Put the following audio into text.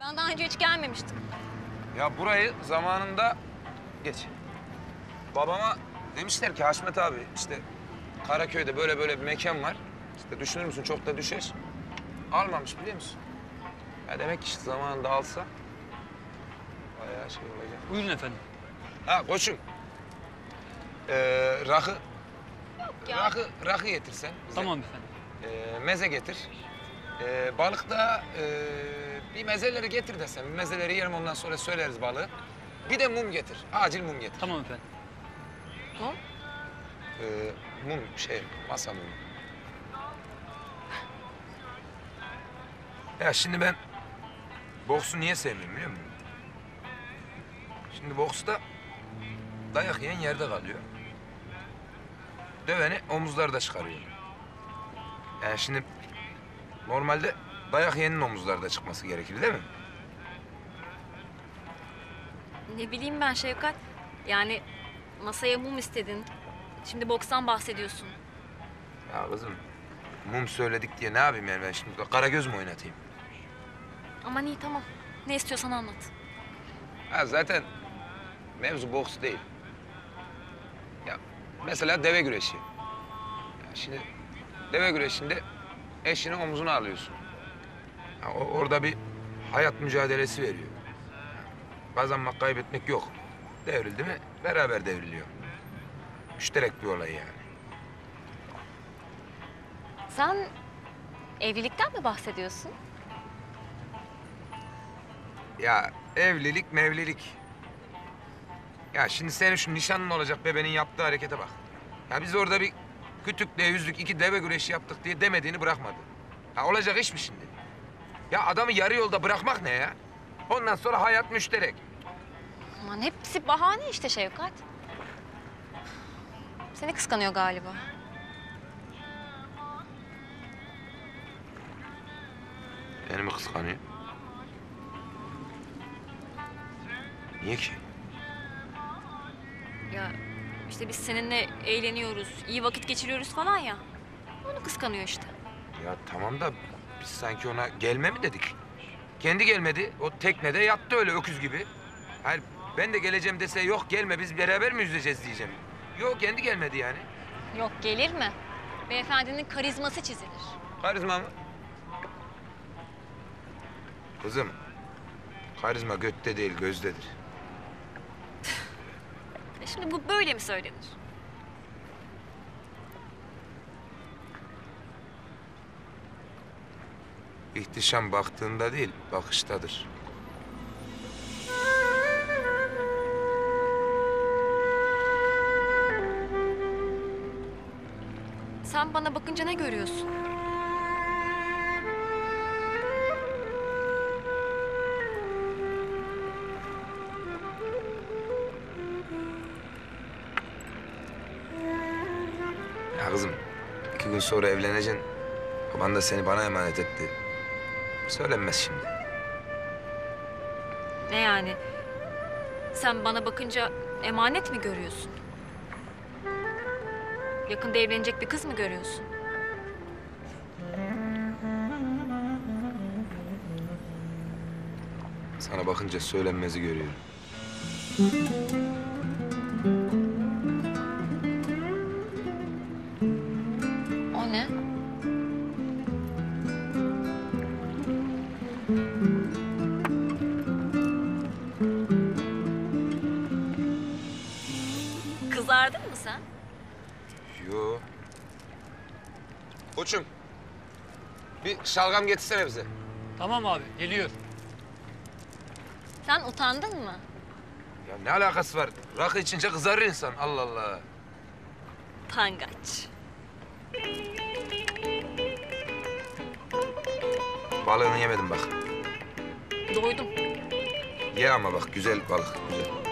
Sana daha önce hiç gelmemiştim. Ya burayı zamanında geç. Babama demişler ki Haşmet abi işte Karaköy'de böyle böyle bir mekan var. İşte düşünür müsün çok da düşer. Almamış biliyor musun? Ya demek ki işte zamanında alsa bayağı şey olacak. Buyurun efendim. Ha koçum. Rakı. ya. Rakı getirsen bize. Tamam efendim. Meze getir. Balık da bir mezeleri getir desem. Bir mezeleri yerim ondan sonra söyleriz balığı. Bir de mum getir. Acil mum getir. Tamam efendim. Mum? Mum masa mumu. Ya şimdi ben boksu niye sevmiyorum biliyor musun? Şimdi boksta dayak yiyen yerde kalıyor. Döveni omuzlarda çıkarıyor. Yani şimdi normalde dayak yiyenin omuzlarda çıkması gerekir değil mi? Ne bileyim ben Şevkat. Yani masaya mum istedin. Şimdi bokstan bahsediyorsun. Ya kızım mum söyledik diye ne yapayım yani ben şimdi Karagöz mü oynatayım? Aman iyi tamam. Ne istiyorsan anlat. Ha zaten mevzu boks değil. Ya mesela deve güreşi. Ya şimdi deve güreşinde eşinin omzuna alıyorsun. Ya orada bir hayat mücadelesi veriyor. Kazanmak, kaybetmek yok. Devrildi mi beraber devriliyor. Müşterek bir olay yani. Sen evlilikten mi bahsediyorsun? Ya evlilik mevlilik. Ya şimdi senin şu nişanlın olacak bebenin yaptığı harekete bak. Ya biz orada bir kütükle yüzlük iki deve güreşi yaptık diye demediğini bırakmadı. Ya olacak iş mi şimdi? Ya adamı yarı yolda bırakmak ne ya? Ondan sonra hayat müşterek. Aman hepsi bahane işte Şevkat. Seni kıskanıyor galiba. Beni mi kıskanıyor? Niye ki? Ya işte biz seninle eğleniyoruz, iyi vakit geçiriyoruz falan ya. Onu kıskanıyor işte. Ya tamam da biz sanki ona gelme mi dedik? Kendi gelmedi. O teknede yattı öyle öküz gibi. Hayır ben de geleceğim dese yok gelme biz beraber mi yüzeceğiz diyeceğim. Yok kendi gelmedi yani. Yok gelir mi? Beyefendinin karizması çizilir. Karizma mı? Kızım, karizma götte değil gözdedir. Şimdi bu böyle mi söylenir? İhtişam baktığında değil, bakıştadır. Sen bana bakınca ne görüyorsun? Ya kızım, 2 gün sonra evleneceksin. Baban da seni bana emanet etti. Söylenmez şimdi. Ne yani? Sen bana bakınca emanet mi görüyorsun? Yakında evlenecek bir kız mı görüyorsun? Sana bakınca söylenmezi görüyorum. O ne? Kızardın mı sen? Yo. Koçum, bir şalgam getirsene bize. Tamam abi, geliyor. Sen utandın mı? Ya ne alakası var? Rakı içince kızarır insan. Allah Allah. Pangaç. Balığını yemedim bak. Doydum. Ye ama bak güzel balık, güzel.